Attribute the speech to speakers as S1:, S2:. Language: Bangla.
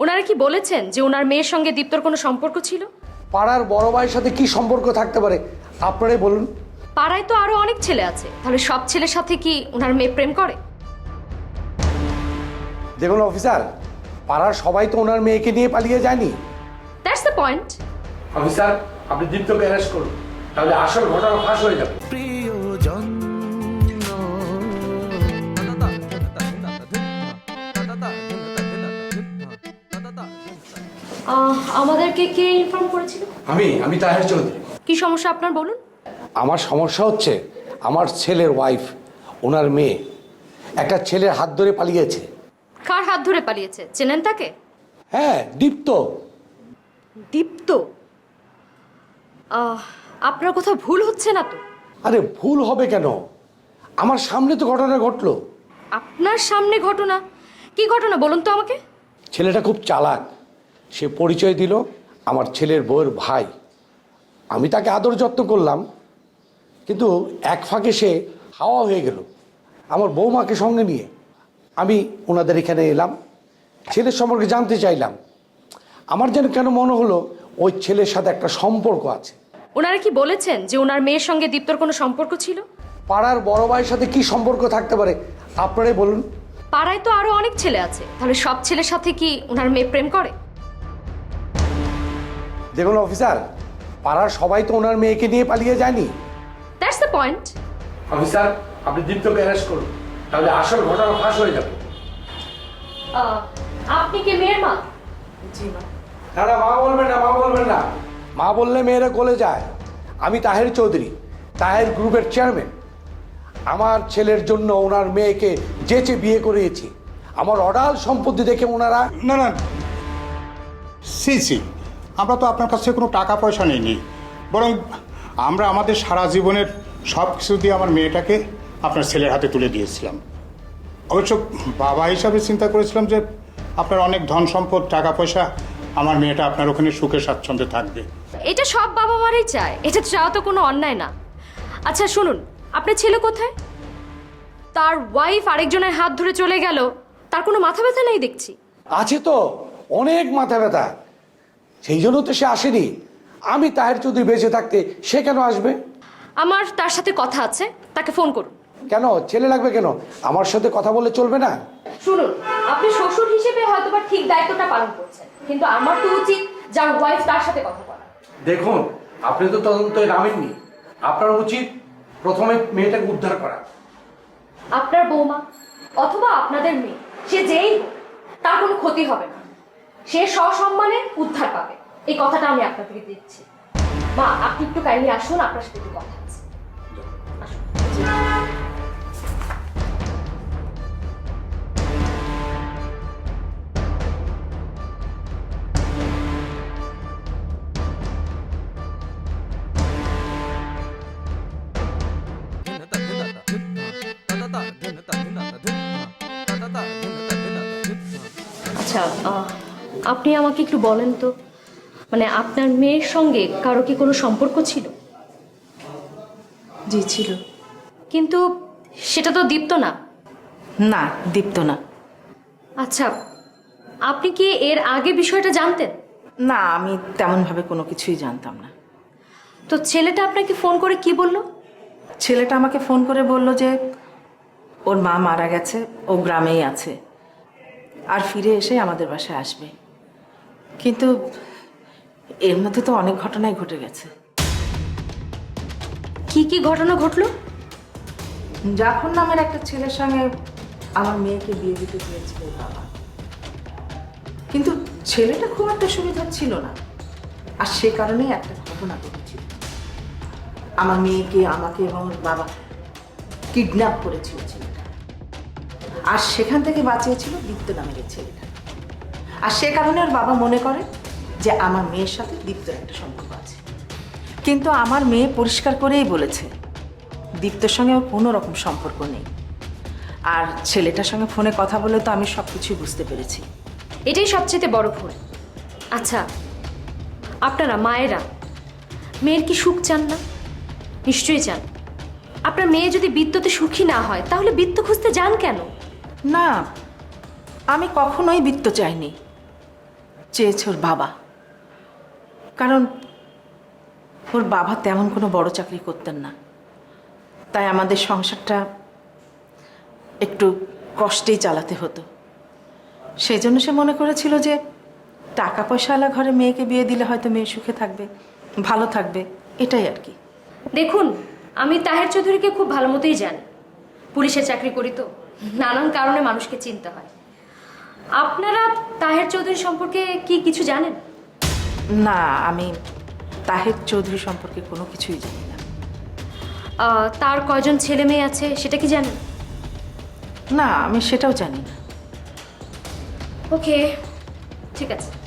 S1: ওনারা কি বলেছেন যে ওনার মেয়ের সঙ্গে দীপ্তর কোনো সম্পর্ক ছিল?
S2: পাড়ার বড় ভাইয়ের সাথে কি সম্পর্ক থাকতে পারে আপনারাই বলুন।
S1: পাড়ায় তো আরো অনেক ছেলে আছে, তাহলে সব ছেলের সাথে কি ওনার মেয়ে প্রেম করে?
S2: দেখুন অফিসার, পাড়ার সবাই তো ওনার মেয়েকে নিয়ে পালিয়ে যায়নি।
S1: That's the point.
S2: অফিসার, আপনি দীপ্তকে অ্যারেস্ট করুন, তাহলে আসল ঘটনা ফাঁস হয়ে যাবে।
S3: প্রিয়জন
S1: আমাদেরকে কে ইনফর্ম করেছিল?
S2: আমি তাহের চৌধুরী।
S1: কি সমস্যা আপনার বলুন।
S2: আমার সমস্যা হচ্ছে আমার ছেলের ওয়াইফ, ওনার মেয়ে একটা ছেলের হাত ধরে পালিয়েছে।
S1: কার হাত ধরে পালিয়েছে? চেনেন তাকে?
S2: হ্যাঁ, দীপ্ত।
S1: দীপ্ত? আপনার কোথাও ভুল হচ্ছে না তো?
S2: আরে ভুল হবে কেন, আমার সামনে তো ঘটনা ঘটলো।
S1: আপনার সামনে ঘটনা? কি ঘটনা বলুন তো আমাকে।
S2: ছেলেটা খুব চালাক, সে পরিচয় দিল আমার ছেলের বউয়ের ভাই। আমি তাকে আদর যত্ন করলাম, কিন্তু এক ফাঁকে সে হাওয়া হয়ে গেল আমার বৌমাকে সঙ্গে নিয়ে। আমি ওনাদের এখানে এলাম, ছেলের সম্পর্কে জানতে চাইলাম। আমার যেন কেন মনে হলো ওই ছেলের সাথে একটা সম্পর্ক আছে।
S1: ওনারা কি বলেছেন যে ওনার মেয়ের সঙ্গে দীপ্তর কোনো সম্পর্ক ছিল?
S2: পাড়ার বড় ভাইয়ের সাথে কি সম্পর্ক থাকতে পারে আপনারাই বলুন।
S1: পাড়ায় তো আরো অনেক ছেলে আছে, তাহলে সব ছেলের সাথে কি ওনার মেয়ে প্রেম করে?
S2: দেখুন অফিসার, পাড়ার সবাই তো ওনার মেয়েকে নিয়ে পালিয়ে যায়নি।
S1: That's the point.
S2: অফিসার, আপনি দীপ্তকে অ্যারেস্ট করুন, তাহলে আসল ঘটনা ফাঁস হয়ে যাবে।
S1: আপনি কি মেয়ের মা?
S4: জি মা।
S2: না না, মা বলবেন না, মা বলবেন না। মা বললে মেয়েরা গলে যায়। আমি তাহের চৌধুরী, তাহের গ্রুপের চেয়ারম্যান। আমার ছেলের জন্য ওনার মেয়েকে যেচে বিয়ে করিয়েছি। আমার অডাল সম্পত্তি দেখে ওনারা
S5: না না, সি আমরা তো আপনার কাছ থেকে কোনো টাকা পয়সা নিইনি, বরং আমরা আমাদের সারা জীবনের সব কিছু দিয়ে আমার মেয়েটাকে আপনার ছেলের হাতে তুলে দিয়েছিলাম। অবশ্য বাবা হিসাবে চিন্তা করেছিলাম যে আপনার অনেক ধন সম্পদ, টাকা পয়সা, আমার মেয়েটা আপনার ওখানে সুখে স্বাচ্ছন্দ্যে থাকবে।
S1: এটা সব বাবা মারাই চায়, এটা চাওয়া তো কোনো অন্যায় না। আচ্ছা শুনুন, আপনার ছেলে কোথায়? তার ওয়াইফ আরেকজনের হাত ধরে চলে গেল, তার কোনো মাথা ব্যথা নেই দেখছি।
S2: আছে তো অনেক মাথা ব্যথা, সেই জন্য তো সে আসেনি। আমি তাহের চৌধুরী বেঁচে থাকতে সে কেন আসবে?
S1: আমার তার সাথে কথা আছে, তাকে ফোন করুন।
S2: কেন ছেলে লাগবে কেন? আমার সাথে কথা বললে চলবে না?
S1: শুনুন, আপনি শ্বশুর হিসেবে হয়তোবা ঠিক দায়িত্বটা পালন করছেন, কিন্তু আমার তো উচিত যার ওয়াইফ তার সাথে কথা বলা।
S2: দেখুন, আপনি তো তদন্তে নামেননি, আপনার উচিত প্রথমে মেয়েটাকে উদ্ধার করা।
S1: আপনার বৌমা অথবা আপনাদের মেয়ে, সে যেই হোক, তার কোনো ক্ষতি হবে না। সে সসম্মানে উদ্ধার পাবে, এই কথাটা আমি আপনাকে দিচ্ছি। মা, আপনি একটু কাইন্ডলি আসুন, আপনার সাথে একটু কথা আছে। আসুন। আচ্ছা, আপনি আমাকে একটু বলেন তো, মানে আপনার মেয়ের সঙ্গে কারো কি কোনো সম্পর্ক ছিল?
S4: জি ছিল।
S1: কিন্তু সেটা তো দীপ্ত না।
S4: না, দীপ্ত না।
S1: আচ্ছা, আপনি কি এর আগে বিষয়টা জানতেন?
S4: না, আমি তেমনভাবে কোনো কিছুই জানতাম না।
S1: তো ছেলেটা আপনাকে ফোন করে কি বলল?
S4: ছেলেটা আমাকে ফোন করে বলল যে ওর মা মারা গেছে, ও গ্রামেই আছে, আর ফিরে এসে আমাদের বাসায় আসবে। কিন্তু এর মধ্যে তো অনেক ঘটনাই ঘটে গেছে।
S1: কি কি ঘটনা ঘটলো?
S4: জাফর নামের একটা ছেলের সঙ্গে আমার মেয়েকে বিয়ে দিতে চেয়েছিল ওর বাবা, কিন্তু ছেলেটা খুব একটা সুবিধা ছিল না, আর সে কারণেই একটা ঘটনা ঘটেছিল। আমার মেয়েকে, আমাকে এবং ওর বাবা কিডন্যাপ করেছিল ছেলেটা, আর সেখান থেকে বাঁচিয়েছিল দীপ্ত নামের এই ছেলেটা। আর সে কারণে ওর বাবা মনে করে যে আমার মেয়ের সাথে দীপ্তর একটা সম্পর্ক আছে। কিন্তু আমার মেয়ে পরিষ্কার করেই বলেছে দীপ্তর সঙ্গে ওর কোনো রকম সম্পর্ক নেই। আর ছেলেটার সঙ্গে ফোনে কথা বলে তো আমি সব কিছুই বুঝতে পেরেছি।
S1: এটাই সবচেয়ে বড় ভুল। আচ্ছা, আপনারা মায়েরা মেয়ের কি সুখ চান না? নিশ্চয়ই চান। আপনার মেয়ে যদি বিদ্যুতে সুখী না হয়, তাহলে বিদ্যু খুঁজতে যান কেন?
S4: না, আমি কখনোই বৃত্ত চাইনি। চেয়েছে ওর বাবা। কারণ ওর বাবা তেমন কোনো বড় চাকরি করতেন না, তাই আমাদের সংসারটা একটু কষ্টেই চালাতে হতো। সেই জন্য সে মনে করেছিল যে টাকা পয়সাওয়ালা ঘরে মেয়েকে বিয়ে দিলে হয়তো মেয়ে সুখে থাকবে, ভালো থাকবে, এটাই আর কি।
S1: দেখুন, আমি তাহের চৌধুরীকে খুব ভালো মতোই জানি। পুলিশের চাকরি করি তো, নানান কারণে মানুষকে চিনতে হয়। আপনারা তাহের চৌধুরী সম্পর্কে কি কিছু জানেন?
S4: না, আমি তাহের চৌধুরী সম্পর্কে কোনো কিছুই জানি না।
S1: তার কয়জন ছেলে মেয়ে আছে সেটা কি জানেন?
S4: না, আমি সেটাও জানি না।
S1: ওকে, ঠিক আছে।